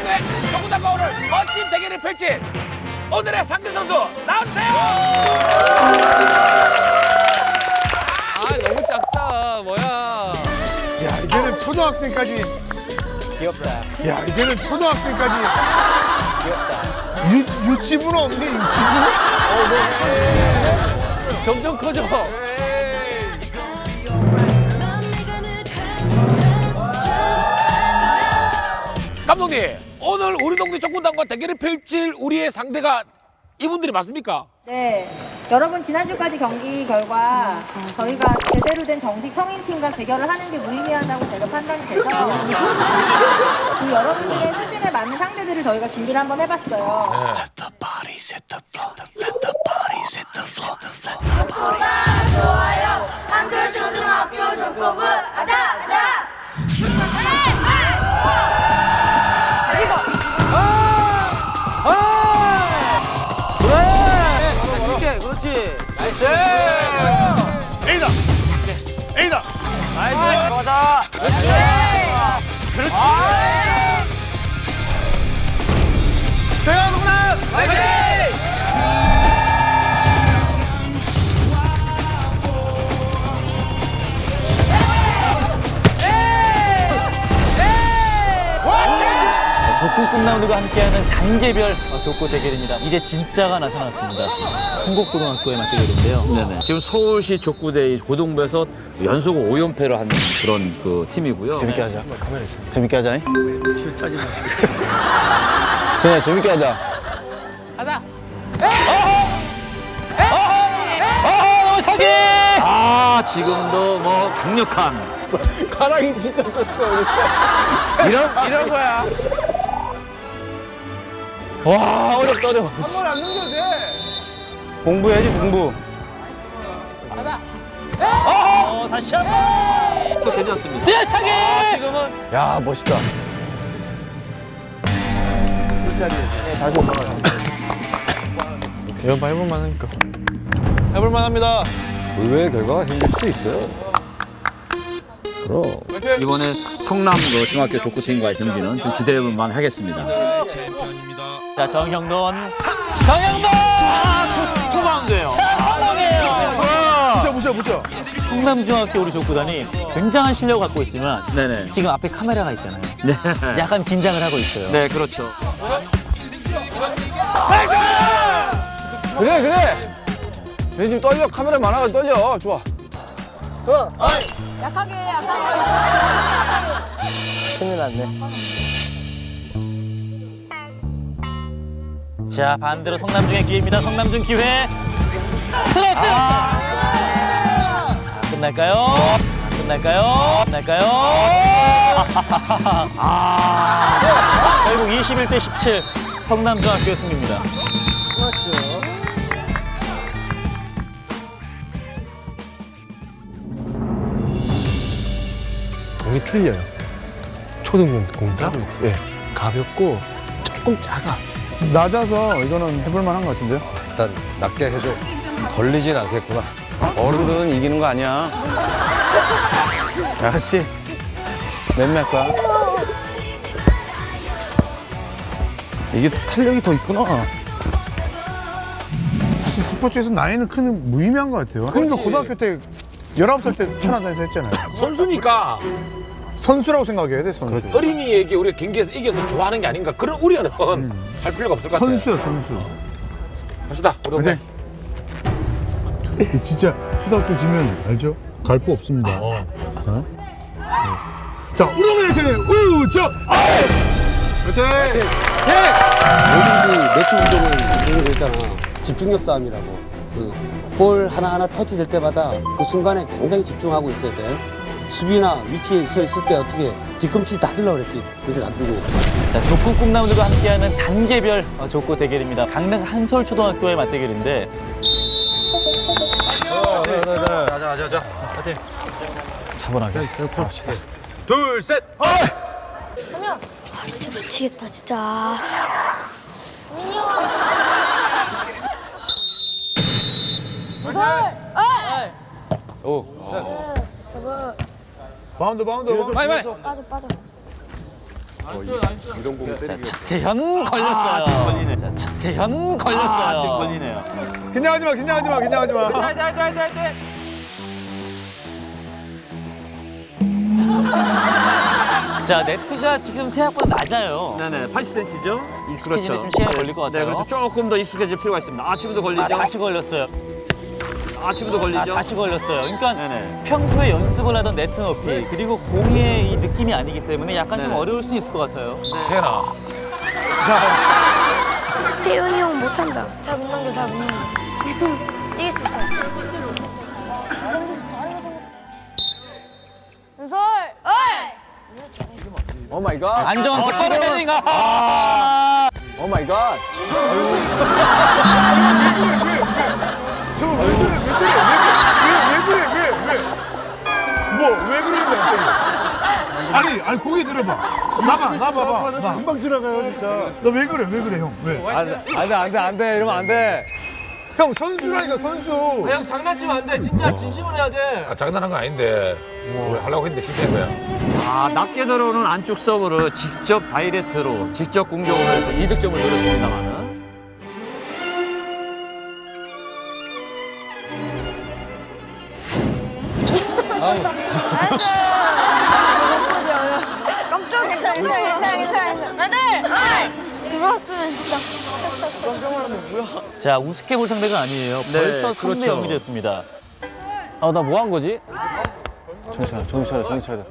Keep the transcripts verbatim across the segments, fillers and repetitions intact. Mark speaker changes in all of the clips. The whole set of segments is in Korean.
Speaker 1: 우리동네 족구단과 오늘 멋진 대결을 펼칠 오늘의 상대 선수 나와주세요.
Speaker 2: 아 너무 작다. 뭐야.
Speaker 3: 야 이제는 초등학생까지
Speaker 2: 귀엽다.
Speaker 3: 야 이제는 초등학생까지
Speaker 2: 귀엽다.
Speaker 3: 유, 유치부는 없는데 유치부?
Speaker 2: 점점 커져.
Speaker 1: 감독님, 오늘 우리 동네 족구단과 대결을 펼칠 우리의 상대가 이분들이 맞습니까?
Speaker 4: 네, 여러분 지난주까지 경기 결과 저희가 제대로 된 정식 성인팀과 대결을 하는 게 무의미하다고 제가 판단이 돼서 그 여러분들의 수준에 맞는 상대들을 저희가 준비를 한번 해봤어요.
Speaker 1: Let the body set the floor. Let the body set the floor. Let the body set the
Speaker 5: 좋아요. 한솔초등학교 족구부 아자 아자.
Speaker 3: A다! A다!
Speaker 2: 나이스. 가자. 그렇지. 대현 동남. 화이팅!
Speaker 6: 족구 꿈나무들과 함께하는 단계별 족구 대결입니다. 이제 진짜가 나타났습니다. 성곡고등학교의 맞대결인데요.
Speaker 7: 네네. 지금 서울시 족구대회 고등부에서 연속 오 연패를 하는 그런 그 팀이고요.
Speaker 6: 재밌게 하자. 재밌게 하자. 실짜지 마. 선우야 재밌게 하자.
Speaker 2: 가자.
Speaker 6: 어허 사기!
Speaker 7: 아, 지금도 뭐 강력한
Speaker 6: 가랑이 진짜 떴어.
Speaker 7: 이런
Speaker 2: 이런 거야.
Speaker 6: 와 어렵다 어려워.
Speaker 2: 한 번 안 넘겨도 돼.
Speaker 6: 공부해야지 공부.
Speaker 2: 가자.
Speaker 6: 어 다시 한 번.
Speaker 7: 또 괜찮습니다.
Speaker 6: 뛰어차기!
Speaker 2: 지금은
Speaker 6: 야 멋있다. 다시 올라가. 연파 해볼만 하니까. 해볼만 합니다.
Speaker 8: 의외의 결과가 생길 수도 있어요. 그럼.
Speaker 7: 이번에 성남 그 중학교 족구팀과의 경기는 좀 기대해볼만 하겠습니다.
Speaker 6: 자 정형돈. 정형돈!
Speaker 7: 투바운드예요.
Speaker 3: 보자 보자 보자.
Speaker 6: 성남중학교 우리 족구단이 굉장한 실력을 갖고 있지만
Speaker 7: 네네.
Speaker 6: 지금 앞에 카메라가 있잖아요.
Speaker 7: 네.
Speaker 6: 약간 긴장을 하고 있어요.
Speaker 7: 네, 그렇죠.
Speaker 8: 그래, 그래. 얘 지금 떨려. 카메라 많아가지고 떨려. 좋아.
Speaker 5: 약하게 약하게 약하게.
Speaker 6: 큰일 났네. 자 반대로 성남중의 기회입니다. 성남중 기회. 스트레이트. 아, 끝날까요? 끝날까요? 끝날까요? 아, 결국 이십일 대 십칠 성남중학교의 승리입니다.
Speaker 3: 공이 틀려요. 초등공 공이랑 예, 가볍고 조금 작아. 낮아서 이거는 해볼 만한 것 같은데요?
Speaker 8: 일단 낮게 해줘. 걸리진 않겠구나. 어른들은 이기는 거 아니야.
Speaker 3: 야, 그렇지. 몇몇 거야? 이게 탄력이 더 있구나. 사실 스포츠에서 나이는 큰 무의미한 것 같아요. 그러니까 고등학교 때 열아홉 살 때 천안단에서 했잖아요.
Speaker 1: 선수니까
Speaker 3: 선수라고 생각해야 돼, 선수.
Speaker 1: 어린이에게 우리가 경기에서 이겨서 좋아하는 게 아닌가 그런 우려는 할 필요가 없을 것 같아요.
Speaker 3: 선수야, 선수.
Speaker 1: 갑시다. 우리 동네.
Speaker 3: 그 진짜 초등학교 지면 알죠? 갈 거 없습니다. 어? 자, 우렁의 제우정
Speaker 9: 모든지 매트 운동을 하게 됐잖아. 집중력 싸움이라고. 그 볼 하나하나 터치될 때마다 그 순간에 굉장히 집중하고 있어야 돼. 수비나 위치에 서 있을 때 어떻게 뒤꿈치 다 들라 그랬지. 그렇게 놔두고.
Speaker 6: 자, 족구 꿈나무들과 함께하는 단계별 어, 족구 대결입니다. 강릉 한솔초등학교의 맞대결인데.
Speaker 7: 가자, 가자, 가자. 파이팅.
Speaker 6: 차분하게. 합시다.
Speaker 1: 둘, 셋.
Speaker 5: 그러면 아 진짜 미치겠다 진짜. 민이 형. 무솔. 어이.
Speaker 8: 오.
Speaker 5: 됐어 뭐.
Speaker 3: 바운드, 바운드.
Speaker 2: 빨리 빨리.
Speaker 5: 빠져 빠져.
Speaker 6: 자, 차태현 걸렸어요.
Speaker 7: 지금 걸리네.
Speaker 6: 자, 차태현
Speaker 7: 아,
Speaker 6: 걸렸어요.
Speaker 7: 지금 걸리네요.
Speaker 3: 긴장하지 마, 긴장하지 마, 긴장하지 마.
Speaker 2: 화이팅 화이팅 화이팅 화이팅.
Speaker 6: 자, 네트가 지금 생각보다 낮아요.
Speaker 7: 네네, 팔십 센티미터죠?
Speaker 6: 익숙해지는데 좀 시간이 걸릴 것 같아요.
Speaker 7: 네, 그렇죠. 조금 더 익숙해질 필요가 있습니다. 아, 지금도 걸리죠?
Speaker 6: 아, 다시 걸렸어요.
Speaker 7: 아, 지금도
Speaker 6: 아,
Speaker 7: 걸리죠?
Speaker 6: 다시 걸렸어요. 그러니까
Speaker 7: 네네.
Speaker 6: 평소에 연습을 하던 네트 높이 그리고 공의 이 느낌이 아니기 때문에 약간 좀
Speaker 7: 네네.
Speaker 6: 어려울 수도 있을 것 같아요.
Speaker 1: 태연아.
Speaker 5: 태훈이 형 못한다. 잘 못 넘겨, 잘 못 넘겨. 이길 수 있어. 은솔! 어이!
Speaker 8: 오 마이 갓.
Speaker 6: 안정환 코치로 헤딩. 아!
Speaker 8: 오 마이 갓.
Speaker 3: 저거 왜 그래, 왜 그래, 왜 그래, 왜, 왜, 왜, 왜? 뭐, 왜 그러는데, 갑자기? 아니, 아니, 고개 들어봐. 나봐, 나봐봐. 나. 금방 지나가요, 진짜. 너 왜 그래, 왜 그래, 형? 왜?
Speaker 8: 안 돼, 안 돼, 안 돼, 안 돼. 이러면 안 돼.
Speaker 3: 형, 선수라니까, 선수.
Speaker 2: 형 장난치면 안 돼. 진짜 진심으로 해야 돼.
Speaker 1: 아, 장난한 거 아닌데. 우리 하려고 했는데 실패한 거야.
Speaker 7: 아, 낮게 들어오는 안쪽 서브를 직접 다이렉트로 직접 공격을 해서 이득점을 노렸습니다만은.
Speaker 5: 깜짝 괜찮아, 괜찮아, 괜찮아, 괜찮아. 애들! 어이! 들어왔으면 진짜.
Speaker 6: 자, 우습게 볼 상대가 아니에요.
Speaker 7: 네,
Speaker 6: 벌써 삼 대
Speaker 7: 그렇죠.
Speaker 6: 영이 됐습니다.
Speaker 8: 아, 나 뭐 한 거지? 정신 차려, 정신 차려, 정신 차려.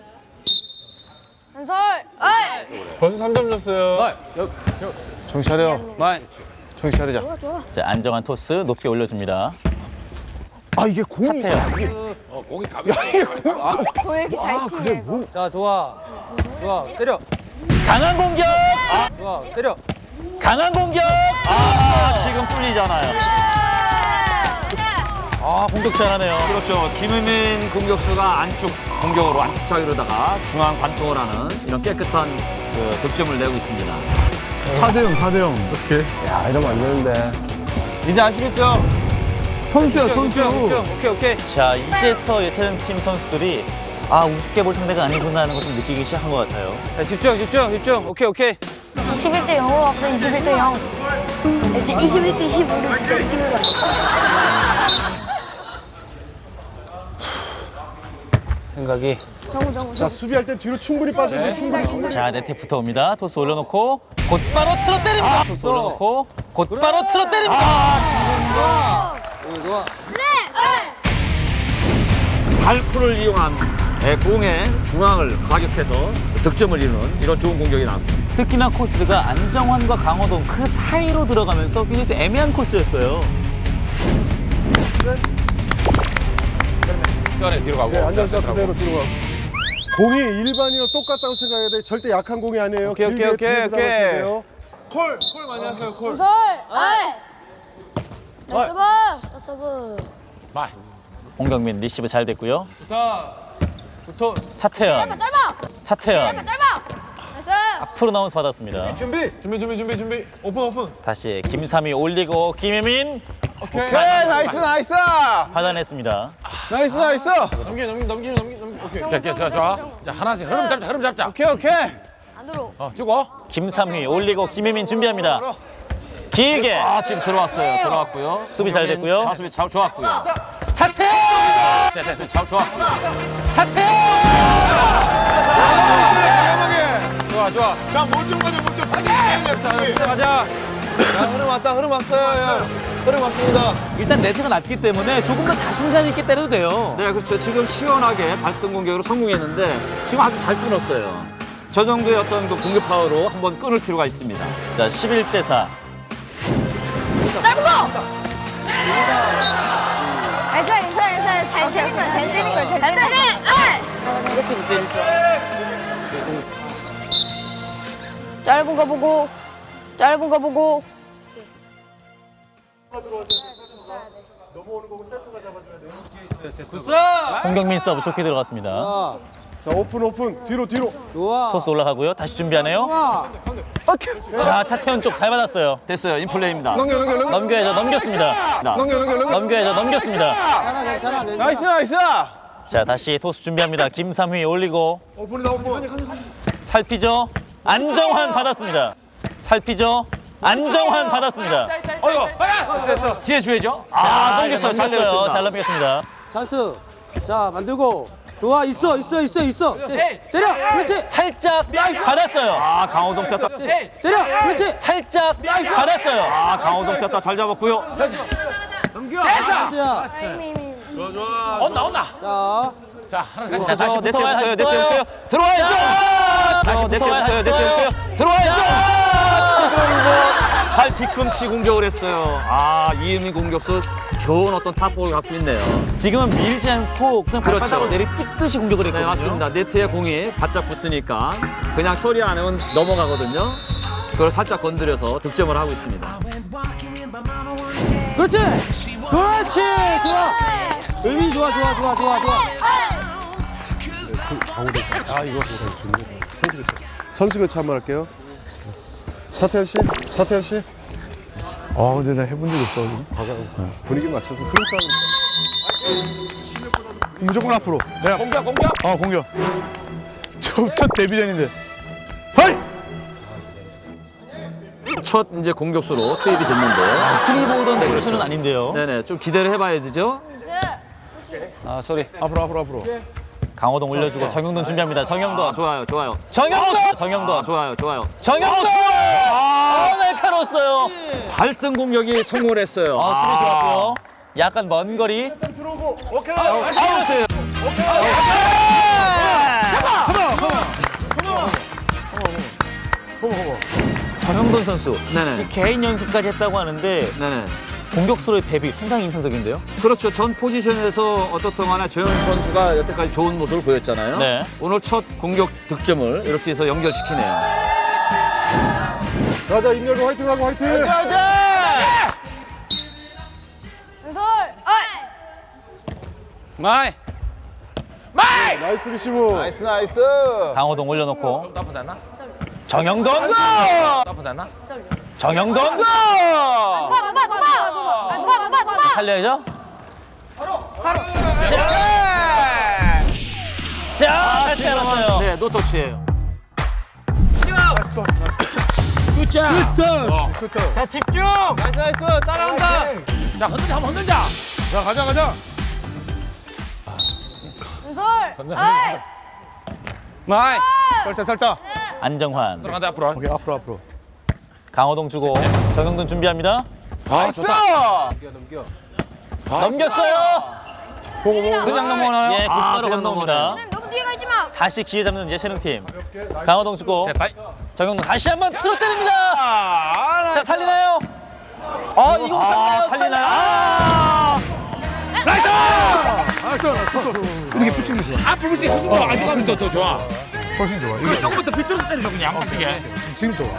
Speaker 5: 은솔! 어이!
Speaker 3: 벌써 삼 점 줬어요.
Speaker 8: 정신 차려. 마이. 정신 차리자.
Speaker 5: 좋아, 좋아.
Speaker 6: 자, 안정환 토스 높게 올려줍니다.
Speaker 3: 아, 이게 공이.
Speaker 6: 차태현.
Speaker 1: 어, 공이 가벼워.
Speaker 5: 왜 이렇게 잘 튀네?
Speaker 9: 자, 좋아. 좋아. 때려.
Speaker 6: 강한 공격!
Speaker 9: 좋아. 때려.
Speaker 6: 강한 공격! 아, 지금 뚫리잖아요. 아, 공격 잘하네요.
Speaker 7: 그렇죠. 김우민 공격수가 안쪽 공격으로 안쪽 차기로다가 중앙 관통을 하는 이런 깨끗한 그 득점을 내고 있습니다.
Speaker 3: 사 대 영, 사 대 영. 어떡해.
Speaker 8: 야, 이러면 안 되는데. 이제 아시겠죠?
Speaker 3: 선수야, 선수.
Speaker 8: 오케이, 오케이.
Speaker 6: 자, 이제서 예체능팀 선수들이 아, 우습게 볼 상대가 아니구나 하는 걸 좀 느끼기 시작한 것 같아요.
Speaker 8: 자, 집중, 집중, 집중. 오케이, 오케이.
Speaker 5: 이십일 대 영으로 왔다, 이십일 대 영. 이제 이십일 대 십오로 진짜 이기는 거야.
Speaker 6: 생각이.
Speaker 5: 정우, 정우,
Speaker 3: 자,
Speaker 5: 정우.
Speaker 3: 수비할 때 뒤로 충분히 빠지고,
Speaker 1: 네.
Speaker 3: 충분히, 충분히.
Speaker 6: 자, 네트에 붙어옵니다. 토스 올려놓고 곧바로 틀어 때립니다. 토스 올려놓고 곧바로 틀어 때립니다.
Speaker 9: 오, 좋아.
Speaker 7: 발코를 이용한 예, 공의 중앙을 과격해서 득점을 이루는 이런 좋은 공격이 나왔습니다.
Speaker 6: 특히나 코스가 안정환과 강호동 그 사이로 들어가면서 굉장히 또 애매한 코스였어요.
Speaker 1: 태연이 뒤로 가고.
Speaker 3: 앉아서 그대로 뒤로 가. 공이 일반이랑 똑같다고 생각해야 돼. 절대 약한 공이 아니에요.
Speaker 8: 오케이,
Speaker 3: 길게
Speaker 8: 오케이, 오케이,
Speaker 3: 뒤에서
Speaker 8: 오케이.
Speaker 3: 잡아줘야 돼요. 콜, 콜 많이 하세요, 콜.
Speaker 5: 은솔! 어이! 나 서브! 나 서브.
Speaker 1: 마.
Speaker 6: 홍경민 리시브 잘 됐고요.
Speaker 8: 좋다. 좋다.
Speaker 6: 차태현.
Speaker 5: 짧아, 짧아!
Speaker 6: 차태현.
Speaker 5: 짧아! 나이스!
Speaker 6: 앞으로 나오면서 받았습니다.
Speaker 3: 준비, 준비, 준비, 준비, 준비. 오픈, 오픈.
Speaker 6: 다시 김삼이 올리고 김혜민
Speaker 3: 오케이.
Speaker 8: 오케이, 나이스, 나이스.
Speaker 6: 받아냈습니다.
Speaker 8: 나이스, 나이스.
Speaker 3: 넘겨, 넘겨, 넘겨, 넘겨, 넘겨. 오케이.
Speaker 1: 자, 자, 자, 좋아. 자, 하나씩 흐름 잡자, 흐름 잡자.
Speaker 8: 오케이, 오케이.
Speaker 5: 안 들어.
Speaker 1: 어, 주고.
Speaker 6: 김삼휘 올리고 김혜민 준비합니다. 길게
Speaker 7: 아, 지금 들어왔어요. 들어왔고요.
Speaker 6: 수비 잘 됐고요.
Speaker 7: 자, 수비 잘 좋았고요.
Speaker 6: 차태현!
Speaker 1: 자, 자, 자.
Speaker 7: 잘 좋았고요.
Speaker 6: 차태현!
Speaker 3: 좋아, 좋아. 자, 몸좀 가자, 몸좀 가자.
Speaker 8: 가자. 야, 흐름 왔다, 흐름 왔어요. 야. 흐름 왔습니다.
Speaker 6: 일단 네트가 낮기 때문에 조금 더 자신감 있게 때려도 돼요.
Speaker 7: 네, 그렇죠. 지금 시원하게 발등 공격으로 성공했는데 지금 아주 잘 끊었어요. 저 정도의 어떤 그 공격 파워로 한번 끊을 필요가 있습니다.
Speaker 6: 자, 십일 대 사.
Speaker 5: 짧은 거! 괜찮아, 괜찮아, 괜찮아. 잘 때린 거야, 잘 때린 거야, 잘 때린 거야. 이렇게 때릴 줄 짧은 거 보고, 짧은 거 보고.
Speaker 6: 홍경민 서브 좋게 들어갔습니다.
Speaker 9: 아,
Speaker 3: 자, 오픈, 오픈. 뒤로, 뒤로.
Speaker 9: 좋아.
Speaker 6: 토스 올라가고요. 다시 준비하네요.
Speaker 9: 좋아.
Speaker 6: 자, 차태현 쪽 잘 받았어요.
Speaker 7: 됐어요. 인플레이입니다.
Speaker 8: 넘겨, 넘겨, 넘겨.
Speaker 6: 넘겨야죠. 넘겼습니다.
Speaker 7: 나.
Speaker 8: 넘겨, 넘겨, 넘겨.
Speaker 6: 넘겨야죠. 넘겼습니다.
Speaker 9: 괜찮아, 괜찮아.
Speaker 8: 나이스, 나이스.
Speaker 6: 자, 다시 토스 준비합니다. 김삼휘 올리고
Speaker 3: 오픈이다, 오픈.
Speaker 6: 살피죠. 안정환 받았습니다. 살피죠. 안정환 받았습니다.
Speaker 1: 어이구, 빨리!
Speaker 7: 뒤에 줘야죠.
Speaker 6: 자,
Speaker 7: 아, 넘겼어요. 잘
Speaker 6: 넘겼어요.
Speaker 7: 넘겼습니다.
Speaker 6: 잘 넘겼습니다.
Speaker 9: 찬스. 자, 만들고. 좋아, 있어, 있어, 있어, 있어. 때, 때려, 그렇지.
Speaker 6: 살짝 받았어요.
Speaker 7: 아, 강호동 쐈다.
Speaker 9: 때려, 그렇지.
Speaker 6: 살짝 받았어요.
Speaker 7: 아, 강호동 쐈다. 잘 잡았고요.
Speaker 9: 찬스야.
Speaker 1: 온다, 온다.
Speaker 9: 자,
Speaker 1: 자, 하나
Speaker 6: 자, 다시
Speaker 7: 내
Speaker 6: 붙어와요.
Speaker 7: 때부터요. 내
Speaker 6: 붙어요.
Speaker 7: 때부터요. 들어와야죠.
Speaker 6: 다시
Speaker 7: 내
Speaker 6: 붙어와요.
Speaker 7: 때부터요. 내
Speaker 6: 붙어요.
Speaker 7: 때부터요. 들어와야죠. 지금도 발 뒤꿈치 공격을 했어요. 아, 이은미 공격수 좋은 어떤 탑볼을 갖고 있네요.
Speaker 6: 지금은 밀지 않고 그냥
Speaker 7: 그렇죠.
Speaker 6: 발바닥으로 내리 찍듯이 공격을
Speaker 7: 네,
Speaker 6: 했거든요.
Speaker 7: 맞습니다. 네트에 공이 바짝 붙으니까 그냥 처리 안 하면 넘어가거든요. 그걸 살짝 건드려서 득점을 하고 있습니다.
Speaker 9: 그렇지. 그렇지. 좋아. 의미 좋아, 좋아, 좋아, 좋아, 좋아.
Speaker 3: 아 이거 좋네. 선수 교체 한번 할게요. 사태현 씨, 사태현 씨. 아 근데 나 해본 적 없어. 과거 분위기 맞춰서 크로스 하는 무조건 앞으로. 내가
Speaker 1: 공격, 공격.
Speaker 3: 어 공격. 첫, 첫 데뷔전인데. 하이.
Speaker 7: 첫 이제 공격수로 투입이 됐는데,
Speaker 6: 흔히 보던 포지션은 아닌데요.
Speaker 7: 네네 좀 기대를 해봐야 되죠.
Speaker 6: 아, 쏘리.
Speaker 3: 앞으로 앞으로 앞으로.
Speaker 6: 강호동 올려주고 정영돈 준비합니다.
Speaker 7: 아,
Speaker 6: 정영돈.
Speaker 7: 좋아요, 좋아요.
Speaker 6: 정영돈. 정영돈.
Speaker 7: 아, 좋아요, 좋아요.
Speaker 6: 정영돈. 아, 날카로웠어요.
Speaker 7: 발등 공격이 성공을 했어요.
Speaker 6: 아, 수비 좋았고요. 약간 먼 거리.
Speaker 3: 들어오고 오케이.
Speaker 7: 아웃이에요.
Speaker 6: 정영돈 선수.
Speaker 7: 네네.
Speaker 6: 이 개인 연습까지 했다고 하는데
Speaker 7: 네네.
Speaker 6: 공격수로의 대비 상당히 인상적인데요.
Speaker 7: 그렇죠. 전 포지션에서 어떻든 간에 조현 선수가 여태까지 좋은 모습을 보였잖아요.
Speaker 6: 네.
Speaker 7: 오늘 첫 공격 득점을 이렇게 해서 연결시키네요.
Speaker 3: 가자 임열고 화이팅하고 화이팅.
Speaker 5: 왼손.
Speaker 6: 마이.
Speaker 1: 마이!
Speaker 3: 나이스 리시브.
Speaker 8: 나이스 나이스.
Speaker 6: 강호동 올려놓고
Speaker 1: 나쁘지 않나?
Speaker 6: 정영돈.
Speaker 1: 나쁘지 않나?
Speaker 6: 정영돈.
Speaker 5: 누가 누가 누가 아, 누가 누가 누가
Speaker 6: 살려야죠. 자, 다시 잡았어요.
Speaker 7: 네, 노터치예요.
Speaker 1: 굿자!
Speaker 3: 굿. 굿.
Speaker 1: 자, 집중!
Speaker 2: 나이스 나이스 따라온다.
Speaker 1: 자, 흔들자, 한번 흔들자.
Speaker 3: 자 가자 가자.
Speaker 5: 왼손.
Speaker 1: 흔들,
Speaker 5: 어이.
Speaker 1: 흔들.
Speaker 3: 마이. 살짝 살짝.
Speaker 6: 안정환.
Speaker 1: 들어간다, 앞으로.
Speaker 3: 오케이 앞으로 앞으로.
Speaker 6: 강호동 주고 정영돈 준비합니다.
Speaker 3: 아 좋다.
Speaker 6: 넘겼어요.
Speaker 3: 보고 보고.
Speaker 7: 그냥 넘어가나요?
Speaker 6: 예,
Speaker 7: 아,
Speaker 6: 곧바로
Speaker 7: 그냥
Speaker 6: 건너옵니다.
Speaker 5: 너는 너무 뒤에 가 있지 마.
Speaker 6: 다시 기회 잡는 예체능팀. 강호동 주고
Speaker 1: 네, 바이.
Speaker 6: 정영돈 다시 한번 틀어 때립니다. 자, 살리나요? 어, 이거
Speaker 7: 아,
Speaker 6: 살리나요?
Speaker 7: 살리나요?
Speaker 6: 아!
Speaker 3: 나이스. 나이스. 이렇게 붙이는 게 좋아.
Speaker 1: 앞으로 볼수 있어. 더 아직 하면 더, 더 좋아.
Speaker 3: 훨씬 좋아.
Speaker 1: 이거
Speaker 3: 이게
Speaker 1: 조금부터 비틀어서 때리죠, 그냥. 어떻게?
Speaker 3: 지금 좋아.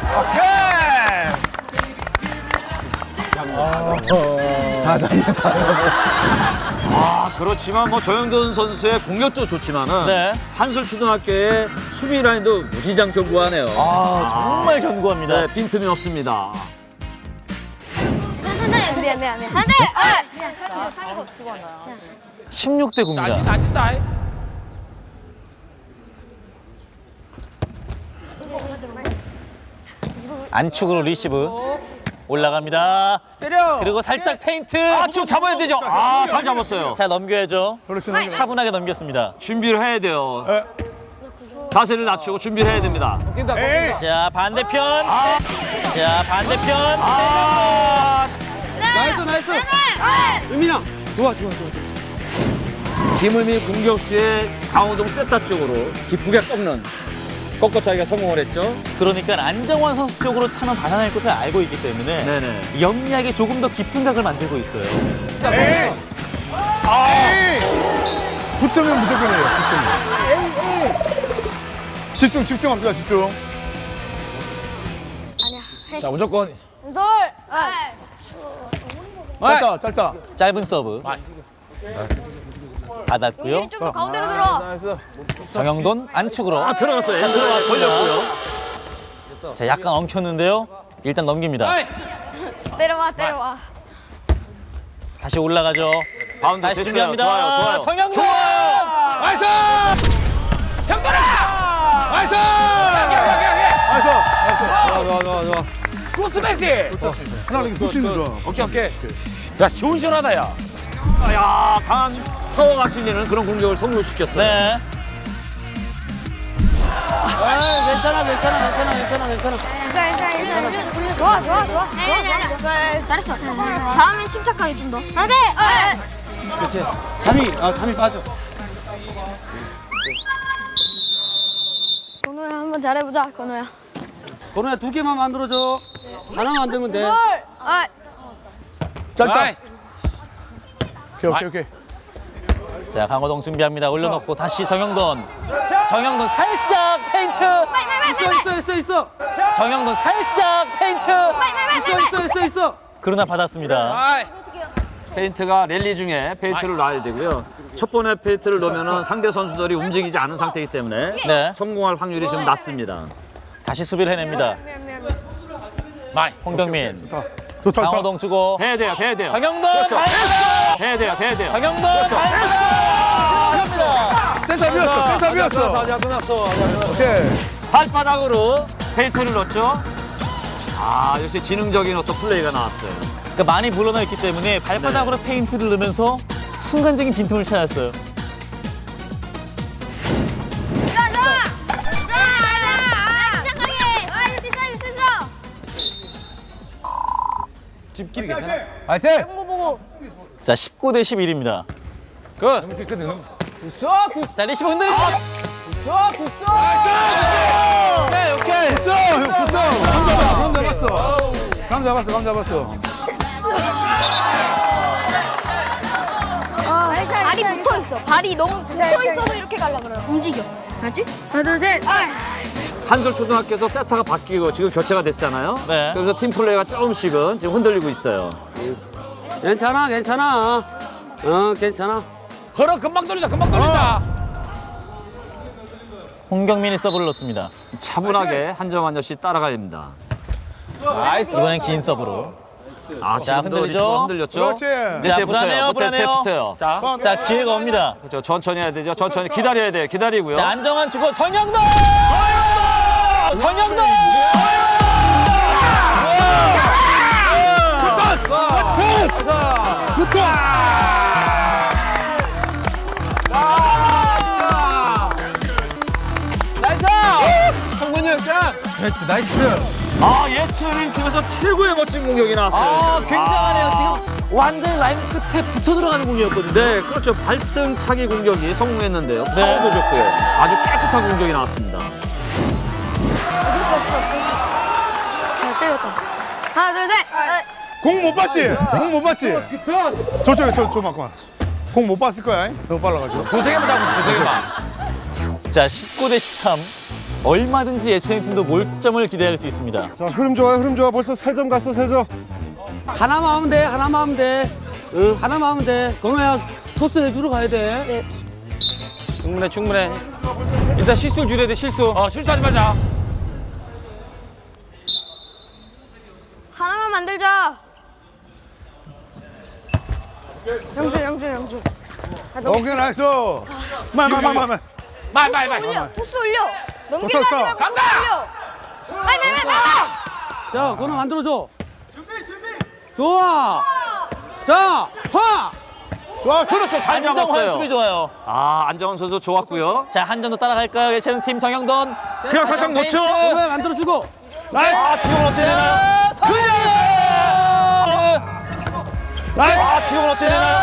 Speaker 7: 아, 그렇지만 뭐 조영돈 선수의 공격도 좋지만은
Speaker 6: 네.
Speaker 7: 한솔 초등학교의 수비 라인도 무지장 견고하네요.
Speaker 6: 아, 정말 견고합니다.
Speaker 7: 네, 빈틈이 없습니다.
Speaker 5: 천천히 미안 미안 미안. 안돼. 그냥 상의가 없어.
Speaker 6: 십육 대 구입니다.
Speaker 1: 안 진다.
Speaker 6: 안축으로 리시브 올라갑니다.
Speaker 9: 때려.
Speaker 6: 그리고 살짝 페인트.
Speaker 7: 아, 지금 잡아야 되죠? 아, 잘 잡았어요.
Speaker 6: 자, 넘겨야죠.
Speaker 3: 그렇지. 넘겨.
Speaker 6: 차분하게 넘겼습니다.
Speaker 7: 준비를 해야 돼요.
Speaker 3: 에.
Speaker 7: 자세를 낮추고 준비를 해야 됩니다.
Speaker 3: 에이.
Speaker 6: 자, 반대편. 자, 반대편.
Speaker 7: 아,
Speaker 9: 나이스, 나이스. 의민아. 좋아, 좋아, 좋아, 좋아.
Speaker 7: 김은미 공격수의 강호동 세타 쪽으로 기쁘게 꺾는 꺾어차기가 성공을 했죠.
Speaker 6: 그러니까 안정환 선수 쪽으로 차면 받아낼 것을 알고 있기 때문에
Speaker 7: 네네.
Speaker 6: 영리하게 조금 더 깊은 각을 만들고 있어요.
Speaker 3: 에이. 에이. 붙으면 무조건이에요. 붙으면. 집중 집중합시다 집중.
Speaker 1: 자, 무조건.
Speaker 5: 왼손.
Speaker 3: 짧다 짧다.
Speaker 6: 짧은 서브. 받았고요.
Speaker 5: 용길이 좀더 가운데로 들어.
Speaker 6: 정영돈 안축으로.
Speaker 7: 아, 들어갔어요.
Speaker 6: 자, 들어갔습니다.
Speaker 7: 걸렸고요.
Speaker 6: 자, 약간 엉켰는데요. 일단 넘깁니다.
Speaker 5: 내려와 내려와.
Speaker 6: 다시 올라가죠.
Speaker 7: 바운드
Speaker 6: 다시
Speaker 7: 됐어요.
Speaker 6: 준비합니다.
Speaker 7: 좋아요, 좋아요.
Speaker 6: 정영돈.
Speaker 3: 나이스.
Speaker 1: 형들아!
Speaker 3: 나이스.
Speaker 1: 크로스 매시.
Speaker 3: 하나 이렇게 붙이는 거.
Speaker 1: 오케이 오케이. 야 시원시원하다 야.
Speaker 7: 야, 강한 파워가 실리는 그런 공격을 성공시켰어요.
Speaker 6: 네.
Speaker 9: 아, 괜찮아, 괜찮아, 괜찮아, 괜찮아, 괜찮아.
Speaker 5: 좋아, 좋아, 좋아. 좋아, 좋아. 잘했어. 다음엔 침착하게 좀 더. 안 돼!
Speaker 9: 그렇지. 삼 위, 아, 삼 위 빠져.
Speaker 5: 건우야, 한번 잘해보자, 건우야.
Speaker 9: 건우야, 두 개만 만들어줘. 하나 만들면 돼.
Speaker 5: 아,
Speaker 3: 짧다. 오케이, 오케이, 오케이.
Speaker 6: 자, 강호동 준비합니다. 올려놓고 다시 정영돈. 정영돈 살짝 페인트.
Speaker 9: 있어, 있어, 있어, 있어.
Speaker 6: 정영돈 살짝 페인트.
Speaker 9: 있어, 있어, 있어, 있어.
Speaker 6: 그러나 받았습니다.
Speaker 7: 페인트가 랠리 중에 페인트를 놔야 되고요. 첫 번에 페인트를 넣으면 상대 선수들이 움직이지 않은 상태이기 때문에
Speaker 6: 네.
Speaker 7: 성공할 확률이 좀 낮습니다.
Speaker 6: 다시 수비를 해냅니다.
Speaker 1: 마이.
Speaker 6: 홍경민.
Speaker 3: 좋다, 좋다.
Speaker 6: 강호동 주고.
Speaker 7: 돼야 돼요, 돼야 돼요.
Speaker 6: 정영돈
Speaker 7: 그렇죠.
Speaker 6: 마이너스.
Speaker 7: 돼야 돼요, 돼야 돼요.
Speaker 6: 정영돈 마이너스. 들어갑니다.
Speaker 3: 센터 비었어, 센터 비었어.
Speaker 8: 자, 끝났어.
Speaker 3: 오케이.
Speaker 7: 발바닥으로 페인트를 넣었죠. 아, 역시 지능적인 어떤 플레이가 나왔어요.
Speaker 6: 그러니까 많이 물러나 있기 때문에 발바닥으로 페인트를 넣으면서 순간적인 빈틈을 찾았어요.
Speaker 5: 좋아, 좋아. 좋아, 좋아. 침착하게. 아, 할수 있어, 할수 있어.
Speaker 1: 집끼리 괜찮아.
Speaker 8: 화이팅!
Speaker 5: 공고 보고.
Speaker 6: 자, 십구 대 십일입니다.
Speaker 8: 끝!
Speaker 6: 자, 리시브 흔들립니다.
Speaker 3: 오케이, 오케이. 붙어, 형, 붙어. 감 잡아, 감 잡았어. 감 잡았어, 감 잡았어.
Speaker 5: 발이 붙어 있어. 발이 너무 붙어 있어서 이렇게 가려 그래요. 움직여. 알지? 하나, 둘, 셋.
Speaker 7: 한솔 초등학교에서 세타가 바뀌고 지금 교체가 됐잖아요.
Speaker 6: 네.
Speaker 7: 그래서 팀 플레이가 조금씩은 지금 흔들리고 있어요.
Speaker 9: 괜찮아, 괜찮아. 어, 괜찮아.
Speaker 1: 걸어 금방 돌린다 금방 돌린다.
Speaker 6: 홍경민이 서브를 넣습니다.
Speaker 7: 차분하게 한 점 한 점씩 따라가야 됩니다.
Speaker 6: 이번엔 긴 서브로.
Speaker 7: 아,
Speaker 6: 자,
Speaker 7: 지금도
Speaker 6: 흔들리죠?
Speaker 7: 리시브 흔들렸죠?
Speaker 3: 그렇지.
Speaker 6: 자,
Speaker 7: 밑에
Speaker 6: 불안해요,
Speaker 7: 붙어요.
Speaker 6: 불안해요.
Speaker 7: 밑에 붙어요.
Speaker 1: 자.
Speaker 6: 자, 기회가 옵니다.
Speaker 7: 그렇죠. 천천히 해야 되죠. 천천히 기다려야 돼요. 기다리고요.
Speaker 6: 자, 안정환 주고 정영돈! 정영돈! 정영돈!
Speaker 7: 아, 예체능 팀에서 최고의 멋진 공격이 나왔어요.
Speaker 6: 아, 굉장하네요. 지금 완전 라인 끝에 붙어 들어가는 공이었거든요.
Speaker 7: 네, 그렇죠. 발등 차기 공격이 성공했는데요.
Speaker 6: 네.
Speaker 7: 파워도 좋고요. 아주 깨끗한 공격이 나왔습니다.
Speaker 5: 잘 때렸다. 하나, 둘, 셋.
Speaker 3: 공 못 봤지? 공 못 봤지? 저쪽에, 저, 저, 잠깐만. 공 못 봤을 거야. 너무 빨라가지고.
Speaker 1: 두세 개만 잡으면 두세 개만.
Speaker 6: 자, 십구 대 십삼. 얼마든지 예체능 팀도 몰점을 기대할 수 있습니다.
Speaker 8: 자, 흐름 좋아요, 흐름 좋아. 벌써 세 점 갔어, 세 점.
Speaker 9: 하나만 하면 돼, 하나만 하면 돼. 응, 하나만 하면 돼. 건우야, 토스 해주러 가야 돼.
Speaker 8: 충분해, 충분해. 일단 실수 줄여야 돼, 실수.
Speaker 1: 어 실수하지 말자.
Speaker 5: 하나만 만들자. 영준, 영준, 영준.
Speaker 3: 오케이, 나이스. 말, 말, 말, 말, 말.
Speaker 1: 마이 마이 마이.
Speaker 5: 올려, 토스 올려. 넘기려
Speaker 3: 떴어,
Speaker 5: 하지
Speaker 3: 떴어.
Speaker 5: 말고
Speaker 1: 간다!
Speaker 5: 올려. 빨리, 빨리, 빨리.
Speaker 9: 자, 건우 만들어줘. 준비, 준비. 좋아. 자, 화!
Speaker 3: 좋아,
Speaker 7: 그렇죠. 잘
Speaker 6: 안정환 수비
Speaker 7: 잡았어요.
Speaker 6: 좋아요.
Speaker 7: 아, 안정환 선수 좋았고요.
Speaker 6: 자, 한 점 더 따라갈까요? 예체능 팀 정영돈.
Speaker 7: 그냥 살짝
Speaker 6: 페인트.
Speaker 7: 놓죠.
Speaker 9: 건우야, 만들어주고.
Speaker 3: 나이스.
Speaker 7: 아, 지금은 어떻게 되나요?
Speaker 6: 자, 그냥!
Speaker 3: 나이스.
Speaker 7: 아, 지금은 어떻게 되나요?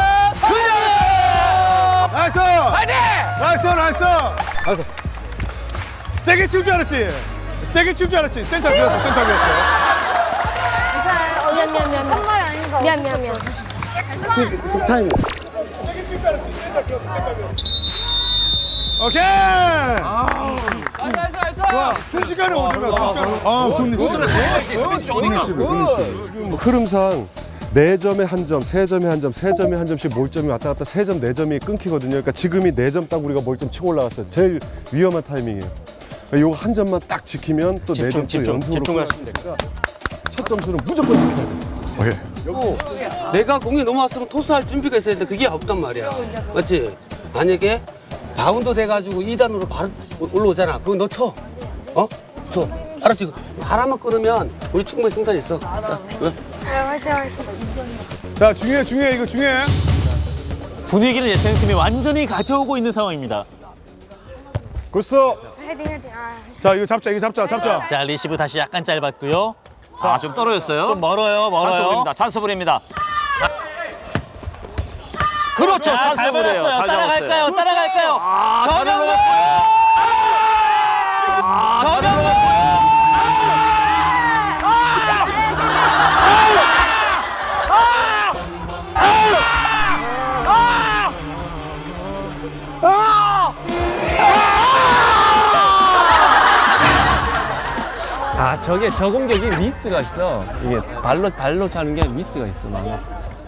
Speaker 3: 나이스.
Speaker 1: 파이팅!
Speaker 3: 나이스, 나이스. 나이스. 세게 칠 줄 알았지? 세게 칠 줄 알았지? 센터 비었어, 센터 비었어.
Speaker 5: 어, 미안, 미안, 미안. 정말 아닌가. 미안, 미안, 미안.
Speaker 9: 타임.
Speaker 3: 오케이. 좋아, 순식간에 오면 순식간에. 아, 굿니시. 굿니시, 굿니시.
Speaker 8: 흐름상 네 점에 한 점, 세 점에 한 점, 세 점에 한 점씩 몰점이 왔다 갔다 세 점, 네 점이 끊기거든요. 그러니까 지금이 네 점 딱 우리가 몰점 치고 올라갔어요. 제일 위험한 타이밍이에요. 요거 한 점만 딱 지키면 또 네 점 또 연속으로 끝나시면 되니까 첫 점수는 무조건 지켜야 돼요. 오케이.
Speaker 9: 그리고 내가 공이 넘어왔으면 토스할 준비가 있어야 되는데 그게 없단 말이야. 맞지? 만약에 바운드 돼가지고 이 단으로 바로 올라오잖아. 그거 너 쳐. 어? 쳐. 알았지? 바람만 끊으면 우리 충분히 승산 있어. 자, 왜?
Speaker 3: 자, 중요해, 중요해, 이거 중요해.
Speaker 6: 분위기를 예체능팀이 완전히 가져오고 있는 상황입니다.
Speaker 3: 굿어.
Speaker 5: 헤딩 헤딩. 아.
Speaker 3: 자, 이거 잡자, 이거 잡자, 잡자.
Speaker 6: 자, 리시브 다시 약간 짧았고요.
Speaker 7: 아, 좀 떨어졌어요.
Speaker 6: 좀 멀어요, 멀어요.
Speaker 7: 찬스볼입니다. 찬스볼입니다. 그렇죠.
Speaker 6: 자, 잘
Speaker 7: 찬스볼이에요.
Speaker 6: 받았어요.
Speaker 7: 잘
Speaker 6: 따라갈까요?
Speaker 7: 잡았어요.
Speaker 6: 따라갈까요?
Speaker 7: 아, 잘
Speaker 6: 정영돈!
Speaker 7: 넘어갔어요. 아, 잘
Speaker 6: 정영돈!
Speaker 7: 넘어갔어요.
Speaker 2: 아 저게 저 공격이 미스가 있어. 이게 발로 발로 차는 게 미스가 있어. 막.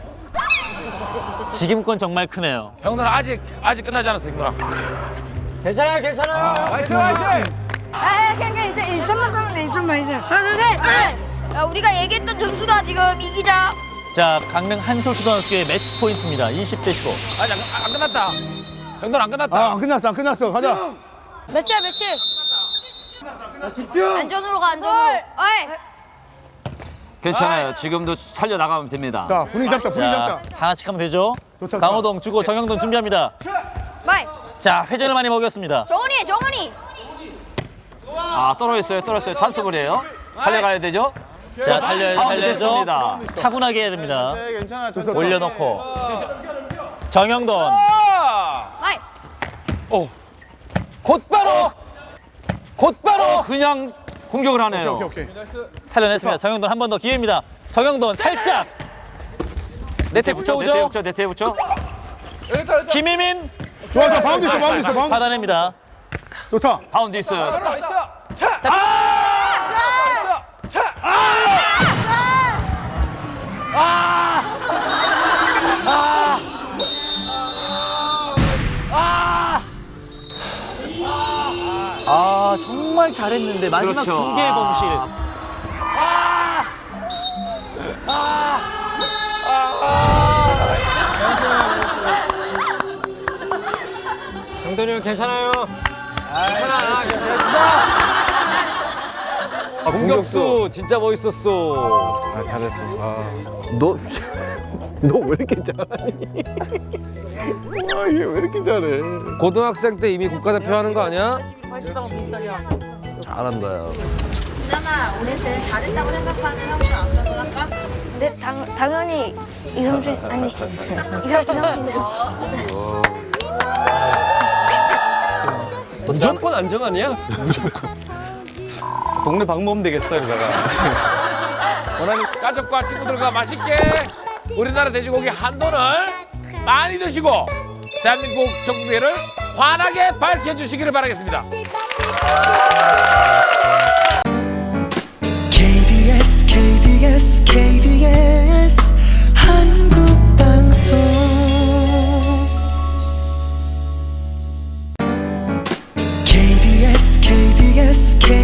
Speaker 6: 지금 건 정말 크네요.
Speaker 1: 형들 아직 아직 끝나지 않았어, 형들아.
Speaker 6: 괜찮아요, 괜찮아요.
Speaker 3: 화이팅, 화이팅!
Speaker 5: 아 그냥 이제 일 점만 하면 돼. 일 점만 이제. 하나 둘 셋. 야 우리가 얘기했던 점수다 지금 이기자.
Speaker 6: 자, 강릉 한솔초등학교의 매치 포인트입니다. 이십 대 십오.
Speaker 1: 아직 안, 안 끝났다. 형들 안 끝났다.
Speaker 3: 아, 안 끝났어, 안 끝났어. 가자.
Speaker 5: 며칠 며칠. 안전으로 가 안전으로. 어이.
Speaker 7: 괜찮아요. 지금도 살려 나가면 됩니다.
Speaker 3: 자, 분위기 잡자, 분위기
Speaker 6: 자,
Speaker 3: 잡자.
Speaker 6: 하나씩 하면 되죠.
Speaker 3: 좋다, 좋다.
Speaker 6: 강호동 주고 정영돈 준비합니다.
Speaker 5: 마이.
Speaker 6: 자, 회전을 많이 먹였습니다.
Speaker 5: 정훈이 정훈이.
Speaker 7: 아, 떨어졌어요. 떨어졌어요. 찬스볼이에요. 살려가야 되죠.
Speaker 6: 자, 살려야죠,
Speaker 7: 바운드
Speaker 6: 살려야죠.
Speaker 7: 됐습니다.
Speaker 6: 차분하게 해야 됩니다.
Speaker 3: 괜찮아,
Speaker 6: 올려놓고. 정영돈.
Speaker 5: 마이.
Speaker 7: 곧바로 곧바로 그냥 공격을 하네요.
Speaker 3: 오케이, 오케이.
Speaker 6: 살려냈습니다. 정영돈 한 번 더 기회입니다. 정영돈 살짝. 네트에
Speaker 7: 네트에
Speaker 6: 붙여오죠.
Speaker 7: 붙여, 네트에 붙여.
Speaker 6: 김희민
Speaker 3: 좋아, 좋아, 바운드 있어, 바운드 있어, 바운드.
Speaker 6: 받아냅니다.
Speaker 3: 좋다.
Speaker 7: 바운드 있어요.
Speaker 6: 아, 정말 잘했는데 마지막
Speaker 7: 그렇죠.
Speaker 6: 두 개의 범실.
Speaker 2: 정돈이 형 괜찮아요. 아, 공격수 진짜 멋있었어. 아, 잘했어. 아. 너, 너 왜 이렇게 잘하니? 와, 이게 왜 이렇게 잘해? 고등학생 때 이미 국가대표 하는 거 아니야? 잘한다.
Speaker 4: 그나마 올해 제일 잘했다고 생각하는 형들 아무나 할까?
Speaker 5: 근데 당 당연히 이성준 아니 이성준.
Speaker 2: 무조건 안정 아니야? 무조건. 동네 방모면 되겠어, 여기다가.
Speaker 1: 원하는 가족과 친구들과 맛있게 우리나라 돼지고기 한돈을 많이 드시고 대한민국 전국의를 환하게 밝혀주시기를 바라겠습니다.
Speaker 10: 케이비에스 케이비에스 케이비에스 한국방송 케이비에스 케이비에스